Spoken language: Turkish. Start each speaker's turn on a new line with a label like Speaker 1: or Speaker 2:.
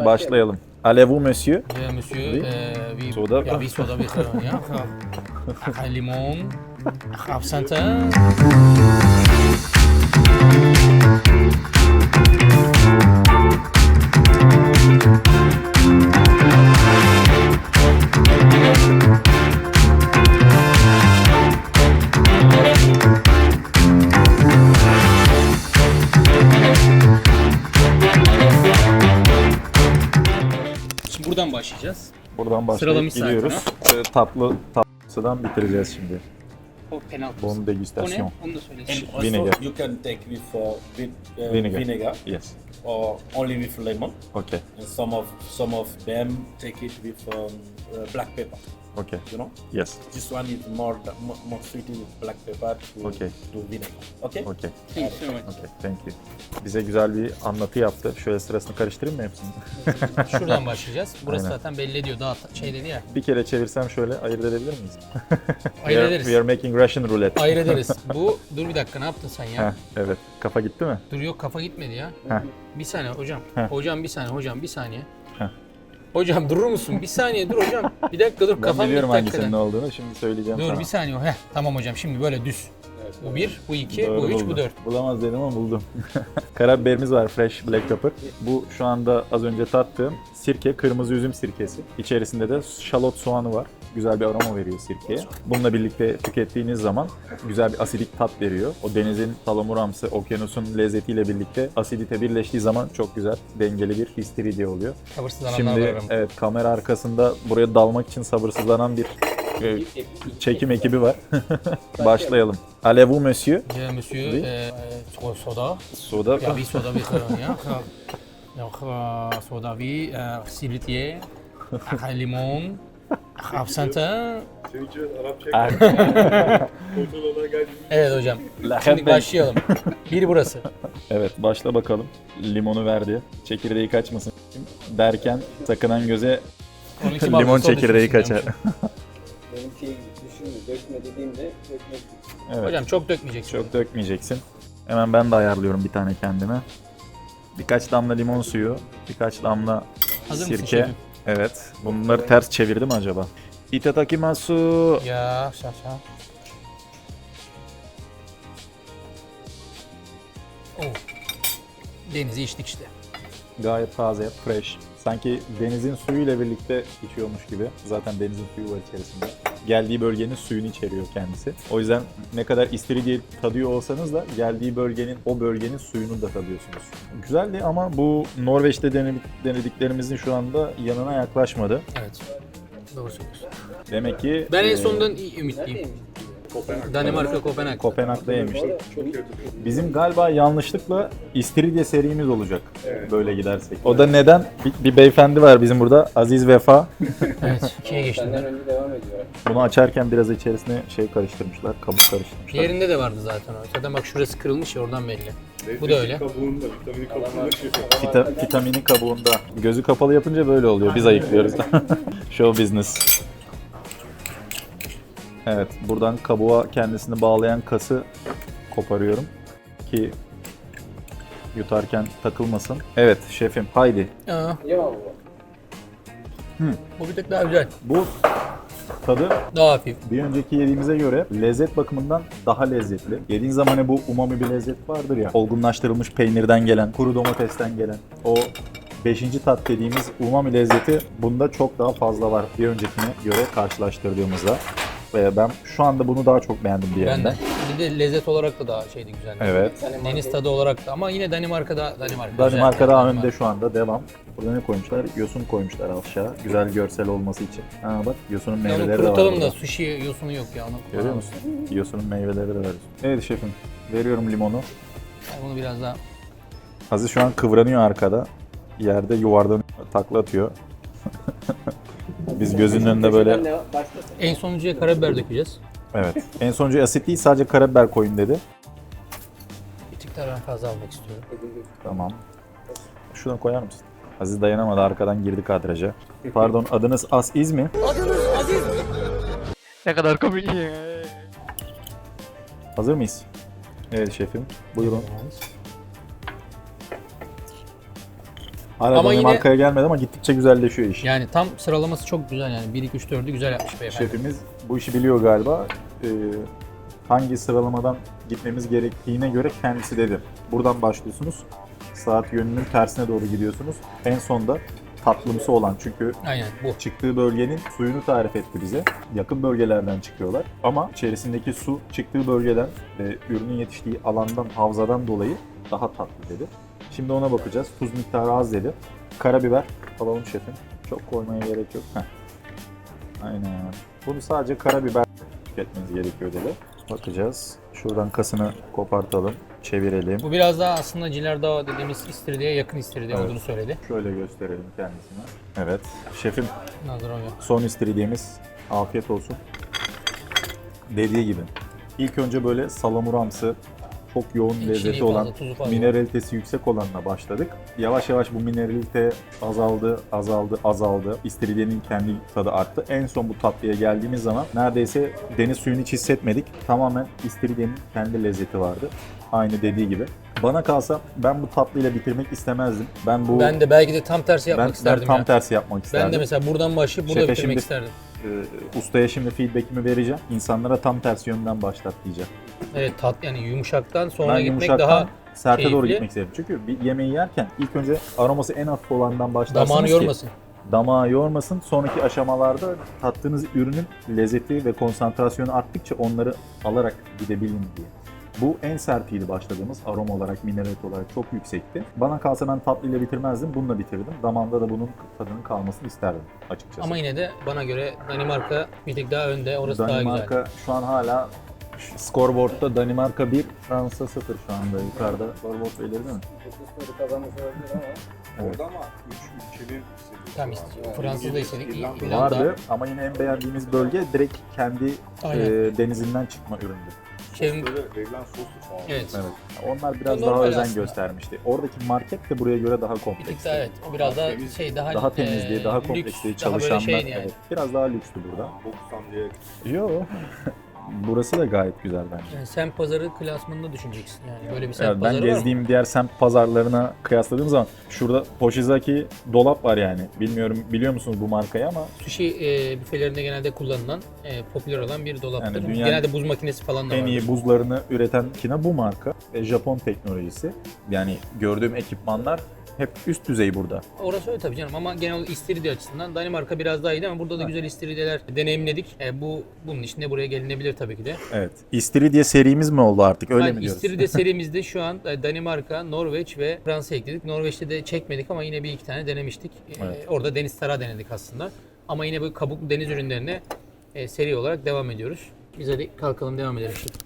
Speaker 1: Başlayalım. Allez-vous monsieur?
Speaker 2: Monsieur,
Speaker 1: Oui.
Speaker 2: oui,
Speaker 1: Soda.
Speaker 2: ja, oui, soda bitter, ja. Limon, absinthe. Şimdi buradan başlayacağız.
Speaker 1: Buradan başlayıp
Speaker 2: Sıralamış
Speaker 1: gidiyoruz. Tatlısıdan bitireceğiz şimdi.
Speaker 2: O penaltı.
Speaker 1: Bon
Speaker 2: O ne?
Speaker 1: degustasyon.
Speaker 2: Onu da söyle.
Speaker 3: And also
Speaker 1: Vinegar.
Speaker 3: you can take with
Speaker 1: Vinegar.
Speaker 3: vinegar
Speaker 1: Yes.
Speaker 3: or only with lemon.
Speaker 1: Okay.
Speaker 3: And some of them take it with black pepper.
Speaker 1: Okay.
Speaker 3: You know,
Speaker 1: Yes.
Speaker 3: this one is more sweet with black pepper
Speaker 1: Okay.
Speaker 3: to vinegar. Okay.
Speaker 1: Okay.
Speaker 2: Thank you so much.
Speaker 1: Okay. Thank you. Bize güzel bir anlatı yaptı. Şöyle sırasını karıştırayım mı hepsini?
Speaker 2: Şuradan başlayacağız. Burası
Speaker 1: Aynen.
Speaker 2: zaten belli ediyor. Daha şey dedi ya.
Speaker 1: Bir kere çevirsem şöyle ayırt edebilir miyiz?
Speaker 2: Ayırt ederiz.
Speaker 1: We are making Russian roulette.
Speaker 2: Ayırt ederiz. Bu, dur bir dakika ne yaptın sen ya?
Speaker 1: Heh, evet. Kafa gitti mi?
Speaker 2: Dur yok kafa gitmedi ya.
Speaker 1: Heh.
Speaker 2: Bir saniye hocam.
Speaker 1: Heh.
Speaker 2: Hocam bir saniye, hocam bir saniye.
Speaker 1: Heh.
Speaker 2: Hocam durur musun? Bir saniye dur hocam. Bir dakika dur
Speaker 1: Ben
Speaker 2: kafam
Speaker 1: biliyorum
Speaker 2: gitti
Speaker 1: hangisinin ne
Speaker 2: hakikaten.
Speaker 1: olduğunu. Şimdi söyleyeceğim
Speaker 2: Dur
Speaker 1: sana.
Speaker 2: bir saniye. Heh, tamam hocam şimdi böyle düz. Bu 1, bu 2,
Speaker 1: Doğru
Speaker 2: bu 3, bu
Speaker 1: buldum.
Speaker 2: 4.
Speaker 1: Bulamaz dedim ama buldum. Karabiberimiz var, fresh black pepper. Bu şu anda az önce tattığım sirke, kırmızı üzüm sirkesi. İçerisinde de şalot soğanı var. Güzel bir aroma veriyor sirkeye. Bununla birlikte tükettiğiniz zaman güzel bir asidik tat veriyor. O denizin salamuramsı, okyanusun lezzetiyle birlikte asidite birleştiği zaman çok güzel, dengeli bir istiridye oluyor.
Speaker 2: Sabırsızlananlar
Speaker 1: Şimdi
Speaker 2: var aramızda.
Speaker 1: evet, kamera arkasında buraya dalmak için sabırsızlanan bir çekim ekibi var. Başlayalım. Allez-vous monsieur?
Speaker 2: Monsieur,
Speaker 1: Oui.
Speaker 2: soda.
Speaker 1: Soda.
Speaker 2: Ya bir soda bir tane ya. Yok soda bir siritiye, limon, absinthe. Evet hocam. Şimdi başlayalım. Bir burası.
Speaker 1: Evet, başla bakalım. Limonu verdi. Çekirdeği kaçmasın derken sakınan göze
Speaker 2: Onunki
Speaker 1: limon
Speaker 2: bazısı o
Speaker 1: çekirdeği
Speaker 2: düşünsün
Speaker 1: kaçar.
Speaker 2: diyormuşum.
Speaker 4: Benim şey düşünmüyor. Dökme dediğimde dökmek.
Speaker 1: Evet,
Speaker 2: Hocam çok dökmeyeceksin.
Speaker 1: çok dökmeyeceksin. Hemen ben de ayarlıyorum bir tane kendime. Birkaç damla limon suyu, birkaç damla
Speaker 2: Hazır mısın
Speaker 1: sirke.
Speaker 2: şefim?
Speaker 1: Evet. Bunları ters çevirdim acaba? Itadakimasu.
Speaker 2: Ya şaşa. Oh. Denizi içtik işte.
Speaker 1: Gayet taze, fresh. Sanki denizin suyuyla birlikte içiyormuş gibi. Zaten denizin suyu var içerisinde. Geldiği bölgenin suyunu içeriyor kendisi. O yüzden ne kadar istiridye tadıyor olsanız da geldiği bölgenin, o bölgenin suyunu da tadıyorsunuz. Güzeldi ama bu Norveç'te denediklerimizin şu anda yanına yaklaşmadı.
Speaker 2: Evet. Doğru söylüyorsun.
Speaker 1: Demek ki
Speaker 2: Ben en sonundan iyi ümitliyim. Danimarka, Kopenhag.
Speaker 1: Kopenhag'da yemiştik. Bizim galiba yanlışlıkla istiridye serimiz olacak böyle gidersek. O da neden? Bir beyefendi var bizim burada, Aziz Vefa.
Speaker 2: Evet, ikiye geçtim.
Speaker 4: Benden önce devam ediyor.
Speaker 1: Bunu açarken biraz içerisine şey karıştırmışlar, kabuk karıştırmışlar.
Speaker 2: Diğerinde de vardı zaten o. Zaten bak şurası kırılmış ya oradan belli. Bu da öyle.
Speaker 5: Kabuğunda, vitamini kabuğunda
Speaker 1: Vitamini kabuğunda. Gözü kapalı yapınca böyle oluyor. Biz ayıklıyoruz. Show business. Evet, buradan kabuğa kendisini bağlayan kası koparıyorum ki yutarken takılmasın. Evet şefim, haydi.
Speaker 2: Aa,
Speaker 4: Ya bu.
Speaker 2: bu bir tık daha güzel.
Speaker 1: Bu tadı
Speaker 2: Daha hafif.
Speaker 1: bir önceki yediğimize göre lezzet bakımından daha lezzetli. Yediğin zaman hani bu umami bir lezzet vardır ya. Olgunlaştırılmış peynirden gelen, kuru domatesten gelen o 5. tat dediğimiz umami lezzeti bunda çok daha fazla var bir öncekine göre karşılaştırdığımızda. Ve ben şu anda bunu daha çok beğendim
Speaker 2: Ben
Speaker 1: diğerinden.
Speaker 2: de. Bir de lezzet olarak da daha şeydi güzel.
Speaker 1: Evet.
Speaker 2: Deniz tadı olarak da ama yine Danimarka
Speaker 1: Danimarka
Speaker 2: güzel.
Speaker 1: daha önde şu anda, devam. Burada ne koymuşlar? Yosun koymuşlar aşağı. Güzel görsel olması için. Ha bak, yosunun
Speaker 2: Ya
Speaker 1: meyveleri
Speaker 2: onu
Speaker 1: de var
Speaker 2: kurutalım
Speaker 1: burada.
Speaker 2: da sushi yosunu yok ya. Onu
Speaker 1: Görüyor
Speaker 2: kullanalım.
Speaker 1: musun? Yosunun meyveleri de var. Evet şefim, veriyorum limonu.
Speaker 2: Ben bunu biraz daha
Speaker 1: Aziz şu an kıvranıyor arkada. Yerde yuvarlanıyor, takla atıyor. Biz gözünün önünde böyle...
Speaker 4: Başlasın.
Speaker 2: en sonuncuya karabiber dökeceğiz.
Speaker 1: Evet. En sonuncu asit değil, sadece karabiber koyun dedi.
Speaker 2: Bir tık daha ben fazla almak istiyorum.
Speaker 1: Tamam. Şuradan koyar mısın? Aziz dayanamadı, arkadan girdi kadraja. Pardon, adınız Aziz mi?
Speaker 2: Ne kadar komik.
Speaker 1: Hazır mıyız? Evet şefim. Buyurun. Hala
Speaker 2: Ama yine
Speaker 1: Danimarka'ya gelmedi ama gittikçe güzelleşiyor iş.
Speaker 2: yani tam sıralaması çok güzel yani. 1 2 3 4'ü güzel yapmış beyefendi.
Speaker 1: Şefimiz bu işi biliyor galiba. Hangi sıralamadan gitmemiz gerektiğine göre kendisi dedi. Buradan başlıyorsunuz. Saat yönünün tersine doğru gidiyorsunuz. En sonda tatlımsı olan, çünkü
Speaker 2: Aynen bu.
Speaker 1: çıktığı bölgenin suyunu tarif etti bize. Yakın bölgelerden çıkıyorlar. Ama içerisindeki su çıktığı bölgeden ve ürünün yetiştiği alandan, havzadan dolayı daha tatlı dedi. Şimdi ona bakacağız. Tuz miktarı az dedi. Karabiber alalım şefim. Çok koymaya gerek yok. Heh. Aynen. Bunu sadece karabiber tüketmeniz gerekiyor dedi. Bakacağız. Şuradan kasını kopartalım. Çevirelim.
Speaker 2: Bu biraz daha aslında Cilardao dediğimiz istiridye yakın istiridye
Speaker 1: Evet.
Speaker 2: olduğunu söyledi.
Speaker 1: Şöyle gösterelim kendisine. Evet. Şefim,
Speaker 2: Nazdrovya.
Speaker 1: son istiridyemiz. Afiyet olsun. Dediği gibi. İlk önce böyle salamuramsı, çok yoğun
Speaker 2: İçeriği
Speaker 1: lezzeti
Speaker 2: fazla,
Speaker 1: olan,
Speaker 2: tuzu fazla.
Speaker 1: mineralitesi yüksek olanla başladık. Yavaş yavaş bu mineralite azaldı. İstiridyenin kendi tadı arttı. En son bu tatlıya geldiğimiz zaman neredeyse deniz suyunu hiç hissetmedik. Tamamen istiridyenin kendi lezzeti vardı. Aynı dediği gibi. Bana kalsa ben bu tatlıyla bitirmek istemezdim. Ben
Speaker 2: de belki de tam tersi yapmak
Speaker 1: ben
Speaker 2: isterdim
Speaker 1: tam
Speaker 2: ya.
Speaker 1: tersi yapmak isterdim.
Speaker 2: Ben de mesela buradan başlayıp burada
Speaker 1: Şefe
Speaker 2: bitirmek
Speaker 1: şimdi-
Speaker 2: isterdim.
Speaker 1: Ustaya şimdi feedback'imi vereceğim. İnsanlara tam tersi yönden başlat diyeceğim.
Speaker 2: Evet yani yumuşaktan sonra
Speaker 1: Ben
Speaker 2: gitmek
Speaker 1: yumuşaktan
Speaker 2: daha
Speaker 1: serte doğru
Speaker 2: keyifli.
Speaker 1: gitmek istedim. Çünkü bir yemeği yerken ilk önce aroması en hafif olandan başlarsınız
Speaker 2: damağını
Speaker 1: ki
Speaker 2: yormasın.
Speaker 1: damağı yormasın. Sonraki aşamalarda tattığınız ürünün lezzeti ve konsantrasyonu arttıkça onları alarak gidebilin diye. Bu en sertiydi başladığımız. Aroma olarak, mineralit olarak çok yüksekti. Bana kalsa ben tatlıyla bitirmezdim. Bununla bitirdim. Damağımda da bunun tadının kalmasını isterdim açıkçası.
Speaker 2: Ama yine de bana göre Danimarka bir tık daha önde. Orası daha güzel.
Speaker 1: Danimarka şu an hala scoreboard'da Danimarka 1, Fransa 0 şu anda yukarıda. Scoreboard belirli mi?
Speaker 4: Bu kısmını kazanmış olabilir ama
Speaker 5: Orada ama 3 ülkenin
Speaker 2: Tam Fransa'da istedik. İrlanda.
Speaker 1: Vardı ama yine en beğendiğimiz bölge direkt kendi
Speaker 2: Aynen.
Speaker 1: denizinden çıkma üründü.
Speaker 2: Şefim,
Speaker 5: böyle verilen soslu falan.
Speaker 2: evet.
Speaker 1: Evet. Onlar biraz
Speaker 2: Normal
Speaker 1: daha özen
Speaker 2: aslında.
Speaker 1: göstermişti. Oradaki market de buraya göre daha
Speaker 2: Bir tık
Speaker 1: kompleks.
Speaker 2: daha evet. O biraz daha
Speaker 5: Temiz,
Speaker 2: şey daha
Speaker 1: Daha temizliği, daha
Speaker 2: lüks,
Speaker 1: kompleksliği,
Speaker 2: daha böyle
Speaker 1: çalışanlar.
Speaker 2: şeydi yani.
Speaker 1: Evet, biraz daha lükstü burada.
Speaker 5: Boksan diye.
Speaker 1: Yo. Burası da gayet güzel bence.
Speaker 2: Yani semt pazarı klasmanında düşüneceksin yani. Böyle bir semt
Speaker 1: Evet, ben
Speaker 2: pazarı var mı?
Speaker 1: gezdiğim diğer semt pazarlarına kıyasladığım zaman şurada Poshizaki dolap var yani. Bilmiyorum biliyor musunuz bu markayı ama
Speaker 2: Sushi büfelerinde genelde kullanılan, popüler olan bir dolaptır.
Speaker 1: Yani dünyanın
Speaker 2: Genelde buz makinesi falan da
Speaker 1: en
Speaker 2: var.
Speaker 1: iyi buzlarını üreten kina bu marka ve Japon teknolojisi. Yani gördüğüm ekipmanlar hep üst düzey burada.
Speaker 2: Orası öyle tabii canım ama genel olarak istiridye açısından Danimarka biraz daha iyi ama burada da güzel istiridyeler deneyimledik. Bunun için de buraya gelinebilir tabii ki de.
Speaker 1: Evet. İstiridye serimiz mi oldu artık öyle
Speaker 2: Yani
Speaker 1: mi diyoruz?
Speaker 2: İstiridye serimizde şu an Danimarka, Norveç ve Fransa ekledik. Norveç'te de çekmedik ama yine bir iki tane denemiştik.
Speaker 1: Evet.
Speaker 2: Orada deniz tarağı denedik aslında. Ama yine bu kabuklu deniz ürünlerine seri olarak devam ediyoruz. Biz hadi kalkalım devam edelim şimdi.